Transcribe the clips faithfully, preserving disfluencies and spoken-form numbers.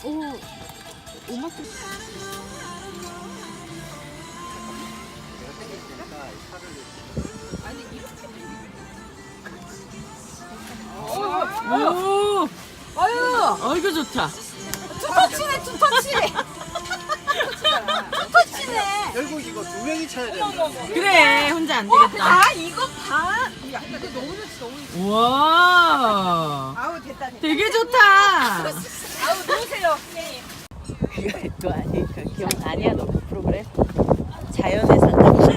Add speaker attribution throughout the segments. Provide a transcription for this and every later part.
Speaker 1: 오, 오마트. 오,
Speaker 2: 아유,
Speaker 1: 어이구 좋다.
Speaker 2: 투터치네, 투터치. 투터치네.
Speaker 3: 결국 이거 두 명이 차야 되는
Speaker 1: 그래, 혼자 안 되겠다.
Speaker 2: 아, 이거 반. 야, 이거 너무 좋지, 너무 좋지.
Speaker 1: 우와,
Speaker 2: 아우, 됐다, 됐다.
Speaker 1: 되게 좋다.
Speaker 2: 아우, 놓으세요.
Speaker 4: 그거 또 아니 그 기억 아니야 너 프로그램 자연에 산다고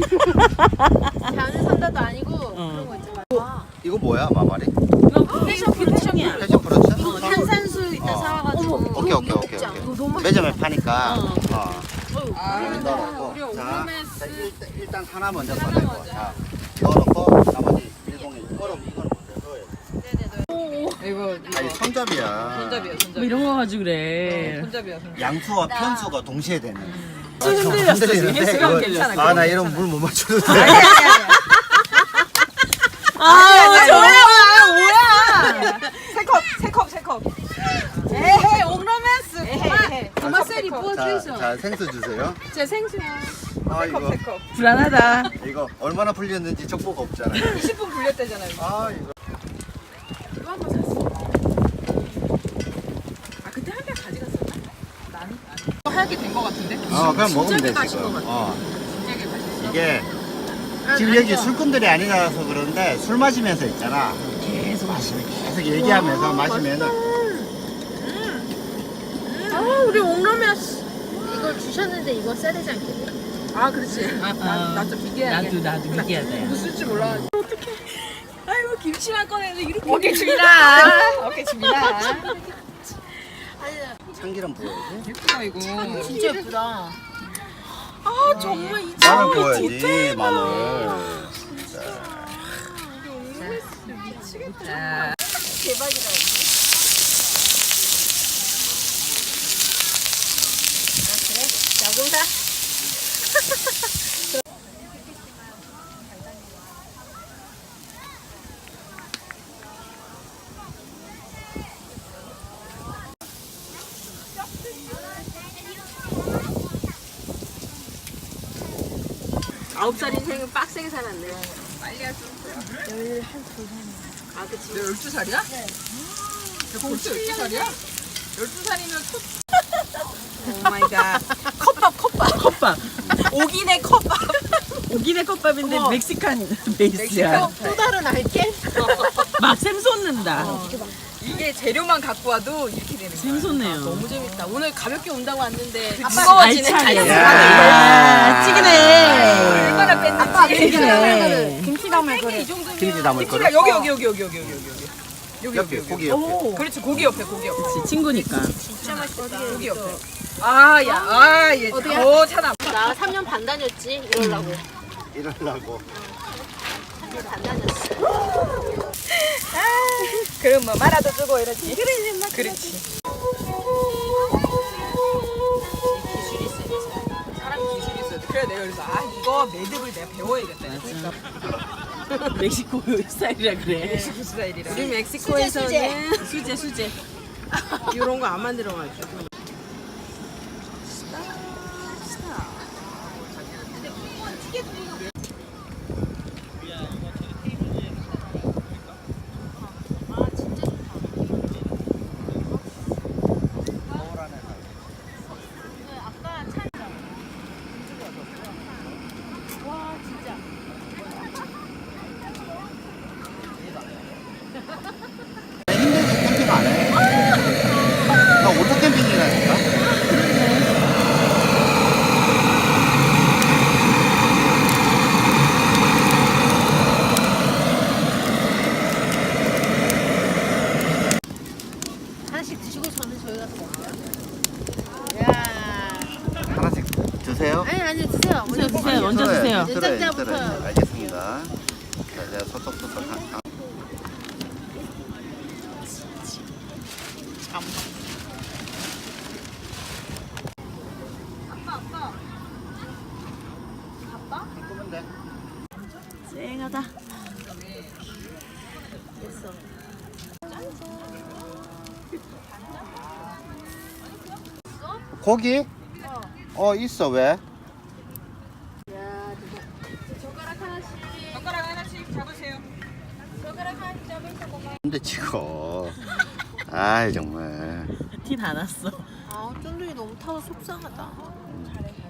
Speaker 2: 자연에 산다도 아니고
Speaker 1: 어.
Speaker 2: 그런 거 있잖아.
Speaker 3: 이거 뭐야 마마리?
Speaker 1: 패션 패션이야.
Speaker 3: 패션 프로츠?
Speaker 2: 이거 탄산수 이따
Speaker 3: 어.
Speaker 2: 사와가지고.
Speaker 3: 오케이 오케이 오케이
Speaker 2: 먹자.
Speaker 3: 오케이
Speaker 2: 이거 너무
Speaker 3: 매점에 파니까
Speaker 1: 어.
Speaker 3: 어.
Speaker 2: 아,
Speaker 3: 넣어놓고
Speaker 2: 우리
Speaker 3: 자,
Speaker 2: 오메스.
Speaker 3: 자 일단, 일단 하나 먼저 넣어놓고 자 넣어놓고 나머지 일봉에 얼음 이거는 먼저 넣어야 돼
Speaker 2: 이거
Speaker 3: 아니 손잡이야
Speaker 2: 손잡이야, 손잡이.
Speaker 1: 뭐 이런 거 가지고 그래.
Speaker 2: 손잡이야, 손잡이.
Speaker 3: 양수와 편수가 동시에 되는
Speaker 1: 흔들렸어, 지금. 횟수가 흔들렸어.
Speaker 3: 아나 이런 물 못 맞춰도 돼
Speaker 2: 아니, 아니, 아니.
Speaker 1: 아, 좋아. 뭐야?
Speaker 2: 세 컵, 세 컵, 세 컵. 에헤, 옹로맨스. 에헤,
Speaker 4: 토마셀이
Speaker 3: 자,
Speaker 4: 부어주이소
Speaker 3: 자 생수 주세요
Speaker 4: 제 생수야
Speaker 3: 아
Speaker 2: 세 컵,
Speaker 3: 이거
Speaker 2: 세 컵.
Speaker 1: 불안하다.
Speaker 3: 이거 얼마나 풀렸는지 정보가 없잖아
Speaker 2: 이십 분 불렸대잖아요.
Speaker 3: 아 이거
Speaker 4: 이거 한번 샀어
Speaker 2: 아, 그때 한 개 가져갔었나? 나는? 나는. 하얗게 된 거 같은데?
Speaker 3: 어 그냥 먹으면 돼
Speaker 2: 진작에 가신
Speaker 3: 지금
Speaker 2: 것 같아.
Speaker 3: 어
Speaker 2: 진작에 가셨어.
Speaker 3: 이게 지금 여기 술꾼들이 아니라서 그런데 술 마시면서 있잖아 계속 마시면 계속 얘기하면서 마시면은
Speaker 4: 아 우리 옹로메스 이걸 주셨는데 이거 써야 되지 않겠니?
Speaker 2: 아, 그렇지. 나좀 비계해야겠다.
Speaker 1: 나도 나도 미기하다.
Speaker 2: 무슨 줄 몰라. 어떡해. 아이고, 김치만 꺼내서 이렇게.
Speaker 4: 어깨 줍니다.
Speaker 2: 어깨 줍니다.
Speaker 3: 참기름 부어야지
Speaker 2: 예쁘다, 이거.
Speaker 4: 진짜 예쁘다
Speaker 2: 아, 정말 이
Speaker 3: 마늘 부어야지 마늘
Speaker 2: 자. 대박이다.
Speaker 4: 야구사
Speaker 2: 아홉 살 인생은 빡세게 살았네. 빨리 할 수 없어. 열두 살. 아, 그치. 너 열두 살이야? 네. 너 벌써 열두 살이야? 열두 살이면 첫. 오 마이 갓. 컵밥, 컵밥.
Speaker 1: 컵밥.
Speaker 2: 오기네 컵밥.
Speaker 1: 오기네 컵밥인데
Speaker 2: 어머.
Speaker 1: 멕시칸 베이스야.
Speaker 4: 또 다른 알게
Speaker 1: 막 샘솟는다.
Speaker 2: 이게 재료만 갖고 와도 이렇게 되는 거야.
Speaker 1: 샘솟네요.
Speaker 2: 너무 재밌다. 오늘 가볍게 온다고 왔는데
Speaker 1: 알차게.
Speaker 2: 무거워지네.
Speaker 1: 아, 찌그네.
Speaker 2: 얼마나 뺐는지.
Speaker 1: 찌그네.
Speaker 4: 김치 담을
Speaker 2: 이 정도면
Speaker 3: 김치 담을 거를?
Speaker 2: 김치가 여기 여기 여기 여기 여기 여기 여기 여기
Speaker 3: 옆에
Speaker 2: 여기
Speaker 3: 고기
Speaker 2: 여기.
Speaker 3: 옆에
Speaker 2: 그렇지, 고기 옆에 고기 옆에.
Speaker 1: 그치, 친구니까.
Speaker 2: 진짜 맛있다. 고기 옆에. 아, 야, 아, 얘.
Speaker 4: 어디야?
Speaker 2: 어, 차나.
Speaker 4: 나 삼 년 반 다녔지 이러려고
Speaker 3: 이러려고
Speaker 4: 삼 년 반 다녔어
Speaker 2: 그럼 뭐 말아도 주고 이러지. 그래, 그렇지. 기술이 있어야지. 사람 기술이 있어야 돼. 그래, 내가 그래서 아, 이거 매듭을 내가 배워야겠다. 그러니까
Speaker 1: 멕시코 스타일이라 그래.
Speaker 2: 멕시코 스타일이라.
Speaker 1: 우리 멕시코에서는 수제 수제. 이런 거 안 만들어가지고.
Speaker 3: 힘들게 캠핑 안 해? 나 오토 캠핑이라니까
Speaker 4: 하나씩 드시고 저는 저희 가서 먹어요 야
Speaker 3: 하나씩 드세요
Speaker 4: 아니 아니 드세요
Speaker 1: 드세요, 드세요. 먼저 드세요.
Speaker 3: 들어요,
Speaker 4: 내장자부터.
Speaker 3: 들어요. 알겠습니다 자 제가 소떡소떡 한- 한- 끄면 돼.
Speaker 1: 쨍하다.
Speaker 4: 됐어
Speaker 3: 고기? 어 있어. 왜?
Speaker 2: 젓가락 하나씩 잡으세요.
Speaker 3: 근데 찍어. 아이 정말.
Speaker 4: 티 다 났어.
Speaker 1: 아 쫀득이 너무 타서 속상하다.